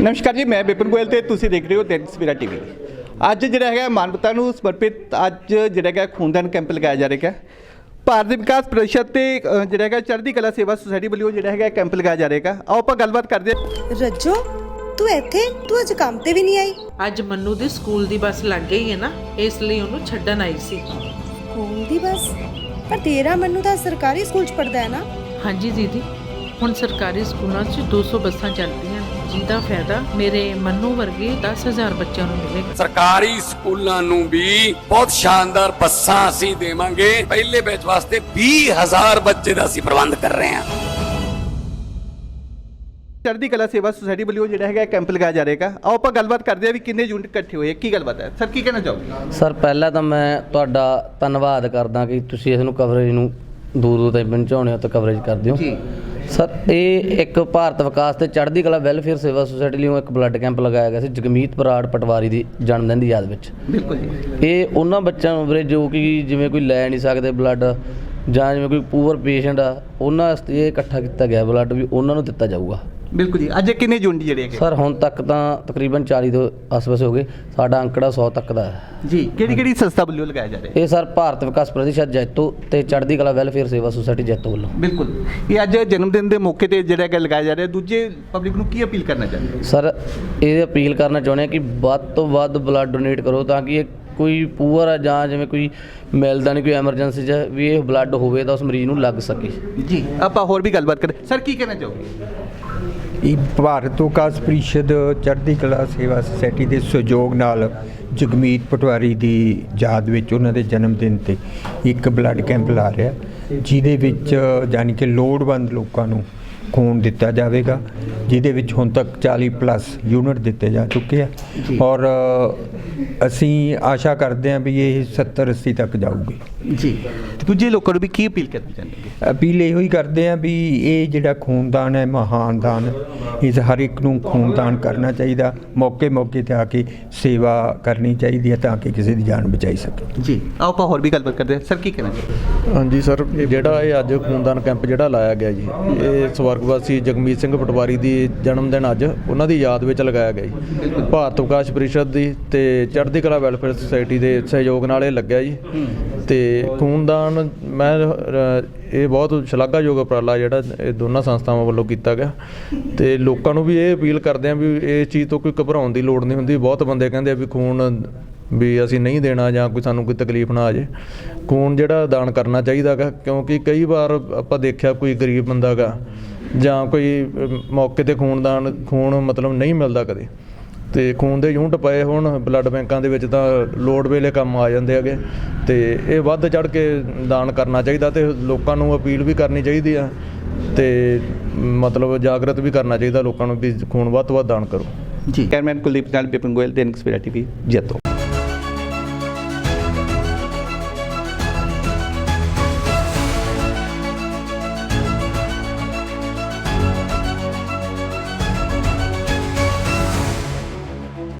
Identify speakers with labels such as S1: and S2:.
S1: नमस्कार जी, मैं विपिन गोयल ਤੇ ਤੁਸੀਂ ਦੇਖ ਰਹੇ ਹੋ दैनिक सवेरा टीवी। ਅੱਜ ਜਿਹੜਾ ਹੈਗਾ ਮਾਨਵਤਾ ਨੂੰ ਸਮਰਪਿਤ ਅੱਜ ਜਿਹੜਾ ਹੈਗਾ ਖੂਨਦਾਨ ਕੈਂਪ ਲਗਾਇਆ ਜਾ ਰਿਹਾ ਹੈ। ਭਾਰਤ ਵਿਕਾਸ ਪ੍ਰੀਸ਼ਦ ਤੇ ਜਿਹੜਾ ਹੈਗਾ ਚੜ੍ਹਦੀ ਕਲਾ ਸੇਵਾ ਸੁਸਾਇਟੀ ਵੱਲੋਂ ਜਿਹੜਾ ਹੈਗਾ ਕੈਂਪ ਲਗਾਇਆ ਜਾ ਰਿਹਾ ਹੈ। ਆਓ ਆਪਾਂ ਗੱਲਬਾਤ ਕਰਦੇ ਹਾਂ।
S2: ਰੱਜੋ ਤੂੰ ਇੱਥੇ ਤੂੰ ਅੱਜ ਕੰਮ ਤੇ ਵੀ ਨਹੀਂ ਆਈ?
S3: ਅੱਜ ਮੰਨੂ ਦੀ ਸਕੂਲ ਦੀ ਬੱਸ ਲੱਗ ਗਈ ਹੈ ਨਾ, ਇਸ ਲਈ ਉਹਨੂੰ ਛੱਡਣ ਆਈ ਸੀ।
S2: ਸਕੂਲ ਦੀ ਬੱਸ? ਪਰ ਤੇਰਾ ਮੰਨੂ ਤਾਂ ਸਰਕਾਰੀ ਸਕੂਲ 'ਚ ਪੜਦਾ ਹੈ ਨਾ?
S3: ਹਾਂਜੀ ਦੀਦੀ, ਹੁਣ ਸਰਕਾਰੀ ਸਕੂਲਾਂ 'ਚ 200 ਬੱਸਾਂ ਚੱਲਦੀਆਂ, ਜਿਹਦਾ ਫਾਇਦਾ ਮੇਰੇ ਮੰਨੂ ਵਰਗੇ 10,000 ਬੱਚਿਆਂ ਨੂੰ ਮਿਲੇਗਾ।
S4: ਸਰਕਾਰੀ ਸਕੂਲਾਂ ਨੂੰ ਵੀ ਬਹੁਤ ਸ਼ਾਨਦਾਰ ਬੱਸਾਂ ਅਸੀਂ ਦੇਵਾਂਗੇ। ਪਹਿਲੇ ਬੈਚ ਵਾਸਤੇ 20,000 ਬੱਚੇ ਦਾ ਅਸੀਂ ਪ੍ਰਬੰਧ ਕਰ ਰਹੇ ਹਾਂ।
S1: ਚੜ੍ਹਦੀ ਕਲਾ ਸੇਵਾ ਸੁਸਾਇਟੀ ਵੱਲੋਂ ਜਿਹੜਾ ਹੈਗਾ ਕੈਂਪ ਲਗਾਇਆ ਜਾ ਰਿਹਾ ਹੈ। ਆਓ ਆਪਾਂ ਗੱਲਬਾਤ ਕਰਦੇ ਹਾਂ ਵੀ ਕਿੰਨੇ ਯੂਨਿਟ ਇਕੱਠੇ ਹੋਏ, ਕੀ ਗੱਲਬਾਤ ਹੈ ਸਰ, ਕੀ ਕਹਿਣਾ ਚਾਹੋਗੇ?
S5: ਸਰ ਪਹਿਲਾਂ ਤਾਂ ਮੈਂ ਤੁਹਾਡਾ ਧੰਨਵਾਦ ਕਰਦਾ ਕਿ ਤੁਸੀਂ ਇਸ ਨੂੰ ਕਵਰੇਜ ਨੂੰ ਦੂਰ ਤਾਈਂ ਪਹੁੰਚਾਉਣੇ ਹੋ ਤੇ ਕਵਰੇਜ ਕਰਦੇ ਹੋ
S1: ਜੀ।
S5: ਸਰ ਇਹ ਇੱਕ ਭਾਰਤ ਵਿਕਾਸ ਤੇ ਚੜ੍ਹਦੀ ਕਲਾ ਵੈਲਫੇਅਰ ਸੇਵਾ ਸੁਸਾਇਟੀ ਲਈ ਇੱਕ ਬਲੱਡ ਕੈਂਪ ਲਗਾਇਆ ਗਿਆ ਸੀ ਜਗਮੀਤ ਬਰਾੜ ਪਟਵਾਰੀ ਦੀ ਜਨਮ ਦਿਨ ਦੀ ਯਾਦ ਵਿੱਚ।
S1: ਬਿਲਕੁਲ ਜੀ।
S5: ਇਹ ਉਹਨਾਂ ਬੱਚਿਆਂ ਨੂੰ ਵੀਰੇ ਜੋ ਕਿ ਜਿਵੇਂ ਕੋਈ ਲੈ ਨਹੀਂ ਸਕਦੇ ਬਲੱਡ, ਜਾਂ ਜਿਵੇਂ ਕੋਈ ਪੂਅਰ ਪੇਸ਼ੈਂਟ ਆ, ਉਹਨਾਂ ਵਾਸਤੇ ਇਹ ਇਕੱਠਾ ਕੀਤਾ ਗਿਆ ਬਲੱਡ ਵੀ ਉਹਨਾਂ ਨੂੰ ਦਿੱਤਾ ਜਾਊਗਾ।
S1: ਬਿਲਕੁਲ ਜੀ। ਅੱਜ ਕਿੰਨੇ ਯੂਨਿਟ ਜਿਹੜੇ ਹੈਗੇ?
S5: ਸਰ ਹੁਣ ਤੱਕ ਤਾਂ ਤਕਰੀਬਨ 40 ਤੋਂ ਆਸ-ਪਾਸ ਹੋ ਗਏ, ਸਾਡਾ ਅੰਕੜਾ 100 ਤੱਕ ਦਾ ਹੈ
S1: ਜੀ। ਕਿਹੜੀ ਸੰਸਥਾ ਵੱਲੋਂ ਲਗਾਇਆ ਜਾ ਰਿਹਾ ਹੈ?
S5: ਇਹ ਸਰ ਭਾਰਤ ਵਿਕਾਸ ਪ੍ਰੀਸ਼ਦ ਜੈਤੋ ਤੇ ਚੜ੍ਹਦੀ ਕਲਾ ਵੈਲਫੇਅਰ ਸੇਵਾ ਸੁਸਾਇਟੀ ਜੈਤੋ ਵੱਲੋਂ।
S1: ਬਿਲਕੁਲ। ਇਹ ਅੱਜ ਜਨਮ ਦਿਨ ਦੇ ਮੌਕੇ ਤੇ ਜਿਹੜਾ ਹੈਗਾ ਲਗਾਇਆ ਜਾ ਰਿਹਾ। ਦੂਜੇ ਪਬਲਿਕ ਨੂੰ ਕੀ ਅਪੀਲ ਕਰਨਾ ਚਾਹੁੰਦੇ ਹੋ?
S5: ਸਰ ਇਹ ਅਪੀਲ ਕਰਨਾ ਚਾਹੁੰਦੇ ਹਾਂ ਕਿ ਵੱਧ ਤੋਂ ਵੱਧ ਬਲੱਡ ਡੋਨੇਟ ਕਰੋ ਤਾਂ ਕਿ ਇਹ ਕੋਈ ਪੂਅਰ ਆ ਜਾਂ ਜਿਵੇਂ ਕੋਈ ਮਿਲਦਾ ਨਹੀਂ, ਕੋਈ ਐਮਰਜੈਂਸੀ 'ਚ ਵੀ ਇਹ ਬਲੱਡ ਹੋਵੇ ਤਾਂ ਉਸ ਮਰੀਜ਼ ਨੂੰ ਲੱਗ ਸਕੇ।
S1: ਜੀ ਆਪਾਂ ਹੋਰ ਵੀ ਗੱਲਬਾਤ ਕਰੇ। ਸਰ ਕੀ ਕਹਿਣਾ ਚਾਹੋਗੇ?
S6: ਇਹ ਭਾਰਤ ਵਿਕਾਸ ਪ੍ਰੀਸ਼ਦ ਚੜ੍ਹਦੀ ਕਲਾ ਸੇਵਾ ਸੁਸਾਇਟੀ ਦੇ ਸਹਿਯੋਗ ਨਾਲ ਜਗਮੀਤ ਪਟਵਾਰੀ ਦੀ ਯਾਦ ਵਿੱਚ ਉਹਨਾਂ ਦੇ ਜਨਮ ਦਿਨ 'ਤੇ ਇੱਕ ਬਲੱਡ ਕੈਂਪ ਲਾ ਰਿਹਾ, ਜਿਹਦੇ ਵਿੱਚ ਯਾਨੀ ਕਿ ਲੋੜਵੰਦ ਲੋਕਾਂ ਨੂੰ ਖੂਨ ਦਿੱਤਾ ਜਾਵੇਗਾ, ਜਿਹਦੇ ਵਿੱਚ ਹੁਣ ਤੱਕ 40+ ਯੂਨਿਟ ਦਿੱਤੇ ਜਾ ਚੁੱਕੇ ਆ ਔਰ ਅਸੀਂ ਆਸ਼ਾ ਕਰਦੇ ਹਾਂ ਵੀ ਇਹ 70-80 ਤੱਕ ਜਾਊਗੀ।
S1: ਜੀ। ਦੂਜੇ ਲੋਕਾਂ ਨੂੰ ਵੀ ਕੀ ਅਪੀਲ ਕਰਨੀ ਚਾਹੁੰਦੇ?
S6: ਅਪੀਲ ਇਹੋ ਹੀ ਕਰਦੇ ਹਾਂ ਵੀ ਇਹ ਜਿਹੜਾ ਖੂਨਦਾਨ ਹੈ ਮਹਾਨ ਦਾਨ, ਇਸ ਹਰ ਇੱਕ ਨੂੰ ਖੂਨਦਾਨ ਕਰਨਾ ਚਾਹੀਦਾ, ਮੌਕੇ 'ਤੇ ਆ ਕੇ ਸੇਵਾ ਕਰਨੀ ਚਾਹੀਦੀ ਹੈ ਤਾਂ ਕਿ ਕਿਸੇ ਦੀ ਜਾਨ ਬਚਾਈ ਸਕੇ।
S1: ਜੀ। ਆਓ ਆਪਾਂ ਹੋਰ ਵੀ ਗੱਲਬਾਤ ਕਰਦੇ ਹਾਂ। ਸਰ ਕੀ ਕਹਿਣਾ ਚਾਹੁੰਦੇ?
S7: ਹਾਂਜੀ ਸਰ, ਜਿਹੜਾ ਇਹ ਅੱਜ ਖੂਨਦਾਨ ਕੈਂਪ ਜਿਹੜਾ ਲਾਇਆ ਗਿਆ ਜੀ, ਇਹ ਸਵਰਗਵਾਸੀ ਜਗਮੀਤ ਸਿੰਘ ਪਟਵਾਰੀ ਦੀ ਜਨਮ ਦਿਨ ਅੱਜ ਉਹਨਾਂ ਦੀ ਯਾਦ ਵਿੱਚ ਲਗਾਇਆ ਗਿਆ ਜੀ। ਭਾਰਤ ਵਿਕਾਸ ਪ੍ਰੀਸ਼ਦ ਦੀ ਤੇ ਚੜ੍ਹਦੀ ਕਲਾ ਵੈਲਫੇਅਰ ਸੁਸਾਇਟੀ ਦੇ ਸਹਿਯੋਗ ਨਾਲ ਇਹ ਲੱਗਿਆ ਜੀ। ਤੇ ਖੂਨਦਾਨ ਮੈਂ ਇਹ ਬਹੁਤ ਸ਼ਲਾਘਾਯੋਗ ਉਪਰਾਲਾ ਜਿਹੜਾ ਇਹ ਦੋਨਾਂ ਸੰਸਥਾਵਾਂ ਵੱਲੋਂ ਕੀਤਾ ਗਿਆ। ਤੇ ਲੋਕਾਂ ਨੂੰ ਵੀ ਇਹ ਅਪੀਲ ਕਰਦੇ ਹਾਂ ਵੀ ਇਸ ਚੀਜ਼ ਤੋਂ ਕੋਈ ਘਬਰਾਉਣ ਦੀ ਲੋੜ ਨਹੀਂ ਹੁੰਦੀ। ਬਹੁਤ ਬੰਦੇ ਕਹਿੰਦੇ ਆ ਵੀ ਖੂਨ ਵੀ ਅਸੀਂ ਨਹੀਂ ਦੇਣਾ ਜਾਂ ਕੋਈ ਸਾਨੂੰ ਕੋਈ ਤਕਲੀਫ ਨਾ ਆ ਜਾਏ। ਖੂਨ ਜਿਹੜਾ ਦਾਨ ਕਰਨਾ ਚਾਹੀਦਾ ਗਾ, ਕਿਉਂਕਿ ਕਈ ਵਾਰ ਆਪਾਂ ਦੇਖਿਆ ਕੋਈ ਗਰੀਬ ਬੰਦਾ ਗਾ ਜਾਂ ਕੋਈ ਮੌਕੇ 'ਤੇ ਖੂਨ ਮਤਲਬ ਨਹੀਂ ਮਿਲਦਾ ਕਦੇ, ਤੇ ਖੂਨ ਦੇ ਯੂਨਿਟ ਪਏ ਹੋਣ ਬਲੱਡ ਬੈਂਕਾਂ ਦੇ ਵਿੱਚ ਤਾਂ ਲੋੜ ਵੇਲੇ ਕੰਮ ਆ ਜਾਂਦੇ ਹੈਗੇ। ਤੇ ਇਹ ਵੱਧ ਚੜ੍ਹ ਕੇ ਦਾਨ ਕਰਨਾ ਚਾਹੀਦਾ ਤੇ ਲੋਕਾਂ ਨੂੰ ਅਪੀਲ ਵੀ ਕਰਨੀ ਚਾਹੀਦੀ ਆ ਤੇ ਮਤਲਬ ਜਾਗਰਤ ਵੀ ਕਰਨਾ ਚਾਹੀਦਾ ਲੋਕਾਂ ਨੂੰ ਵੀ ਖੂਨ ਵੱਧ ਤੋਂ ਵੱਧ ਦਾਨ ਕਰੋ।
S1: ਜੀ। ਕੈਮਰਾਮੈਨ ਕੁਲਦੀਪ ਨਾਲ ਵਿਪਨ ਗੋਇਲ, दैनिक सवेरा टीवी, ਜੈਤੋ।